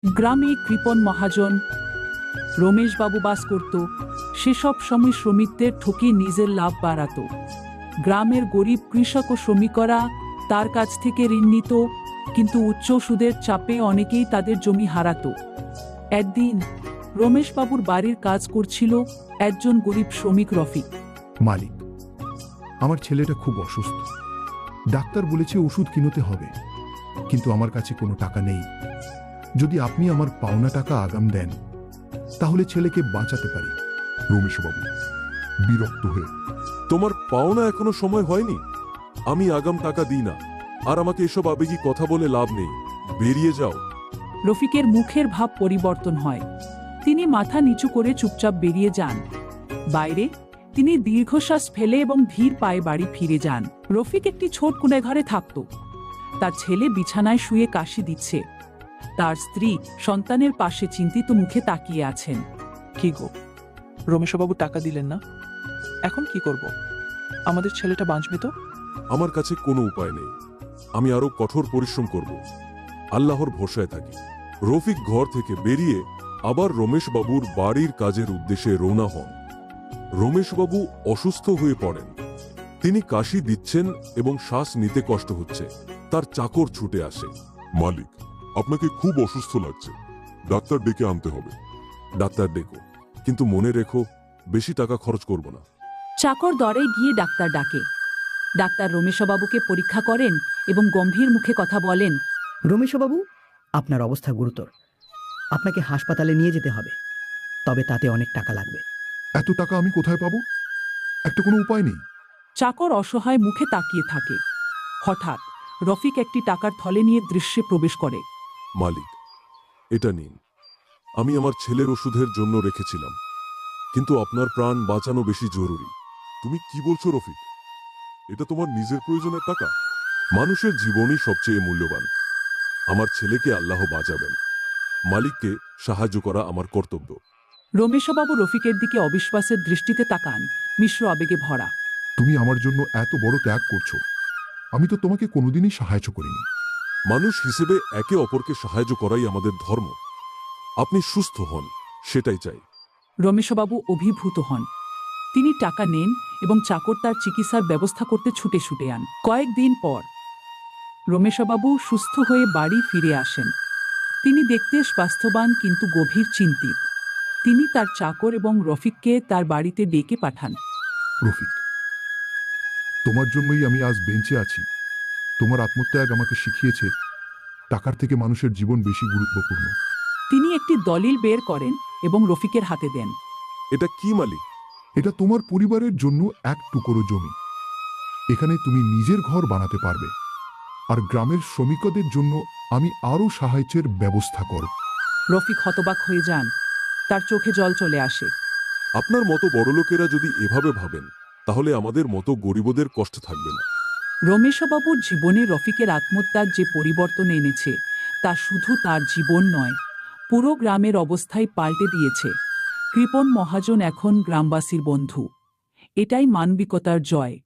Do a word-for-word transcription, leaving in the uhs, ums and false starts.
গ্রামে কৃপণ মহাজন রমেশবাবু বাস করত। সেসব সময় শ্রমিকদের ঠকিয়ে নিজের লাভ বাড়াত। গ্রামের গরিব কৃষক ও শ্রমিকরা তার কাছ থেকে ঋণ নিত, কিন্তু উচ্চ সুদের চাপে অনেকেই তাদের জমি হারাত। একদিন রমেশবাবুর বাড়ির কাজ করছিল একজন গরিব শ্রমিক রফিক। মালিক, আমার ছেলেটা খুব অসুস্থ। ডাক্তার বলেছে ওষুধ কিনতে হবে, কিন্তু আমার কাছে কোনো টাকা নেই। যদি আপনি আমার পাওনা টাকা আগাম দেন, তাহলে ছেলেকে বাঁচাতে পারি। রমেশবাবু বিরক্ত হয়ে, তোমার পাওনা এখনো সময় হয়নি। আমি আগাম টাকা দিই না, আর আমাকে এসব আবেগী কথা বলে লাভ নেই। বেরিয়ে যাও। রফিকের মুখের ভাব পরিবর্তন হয়। তিনি মাথা নিচু করে চুপচাপ বেরিয়ে যান। বাইরে তিনি দীর্ঘশ্বাস ফেলে এবং ধীর পায়ে বাড়ি ফিরে যান। রফিক একটি ছোট কুঁড়ে ঘরে থাকত। তার ছেলে বিছানায় শুয়ে কাশি দিচ্ছে। তার স্ত্রী সন্তানের পাশে চিন্তিত মুখে তাকিয়ে আছেন। কি গো, রমেশবাবু টাকা দিলেন না, এখন কি করব? আমাদের ছেলেটা বাঁচবে তো? আমার কাছে কোনো উপায় নেই। আমি আরো কঠোর পরিশ্রম করব। আল্লাহর ভরসায় থাকি। রফিক ঘর থেকে বেরিয়ে আবার রমেশবাবুর বাড়ির কাজের উদ্দেশ্যে রওনা হন। রমেশবাবু অসুস্থ হয়ে পড়েন। তিনি কাশি দিচ্ছেন এবং শ্বাস নিতে কষ্ট হচ্ছে। তার চাকর ছুটে আসে। মালিক, আপনাকে খুব অসুস্থ লাগছে, ডাক্তার ডেকে আনতে হবে। ডাক্তার ডেকো, কিন্তু মনে রেখো বেশি টাকা খরচ করব না। চাকর দরে গিয়ে ডাক্তার ডাকে। ডাক্তার রমেশবাবুকে পরীক্ষা করেন এবং গম্ভীর মুখে কথা বলেন। রমেশবাবু, আপনার অবস্থা গুরুতর। আপনাকে হাসপাতালে নিয়ে যেতে হবে, তবে তাতে অনেক টাকা লাগবে। এত টাকা আমি কোথায় পাবো? একটা কোনো উপায় নেই। চাকর অসহায় মুখে তাকিয়ে থাকে। হঠাৎ রফিক একটি টাকার থলে নিয়ে দৃশ্যে প্রবেশ করে। মালিক, এটা নিন। আমি আমার ছেলের ওষুধের জন্য রেখেছিলাম, কিন্তু আপনার প্রাণ বাঁচানো বেশি জরুরি। তুমি কি বলছো রফিক? এটা তোমার নিজের প্রয়োজনের টাকা? মানুষের জীবনই সবচেয়ে মূল্যবান। আমার ছেলেকে আল্লাহ বাঁচাবেন। মালিককে সাহায্য করা আমার কর্তব্য। রমেশবাবু রফিকের দিকে অবিশ্বাসের দৃষ্টিতে তাকান, মিশ্র আবেগে ভরা। তুমি আমার জন্য এত বড় ত্যাগ করছো, আমি তো তোমাকে কোনোদিনই সাহায্য করিনি। মানুষ হিসেবে একে অপরকে সাহায্য করাই আমাদের ধর্ম। আপনি সুস্থ হন, সেটাই চাই। রমেশবাবু অভিভূত হন। তিনি টাকা নেন এবং চাকর তার চিকিৎসার ব্যবস্থা করতে ছুটে ছুটে আন। কয়েকদিন পর রমেশবাবু সুস্থ হয়ে বাড়ি ফিরে আসেন। তিনি দেখতে স্বাস্থ্যবান কিন্তু গভীর চিন্তিত। তিনি তার চাকর এবং রফিককে তার বাড়িতে ডেকে পাঠান। রফিক, তোমার জন্যই আমি আজ বেঞ্চে আছি। তোমার আত্মত্যাগ আমাকে শিখিয়েছে টাকার থেকে মানুষের জীবন বেশি গুরুত্বপূর্ণ। তিনি একটি দলিল বের করেন এবং রফিকের হাতে দেন। এটা কি মালিক? এটা তোমার পরিবারের জন্য এক টুকরো জমি। এখানে তুমি নিজের ঘর বানাতে পারবে, আর গ্রামের শ্রমিকদের জন্য আমি আরও সাহায্যের ব্যবস্থা করব। রফিক হতবাক হয়ে যান। তার চোখে জল চলে আসে। আপনার মতো বড়লোকেরা যদি এভাবে ভাবেন, তাহলে আমাদের মতো গরিবদের কষ্ট থাকবে না। রমেশবাবুর জীবনে রফিকের আত্মত্যাগ যে পরিবর্তন এনেছে, তা শুধু তার জীবন নয়, পুরো গ্রামের অবস্থাই পাল্টে দিয়েছে। কৃপণ মহাজন এখন গ্রামবাসীর বন্ধু। এটাই মানবিকতার জয়।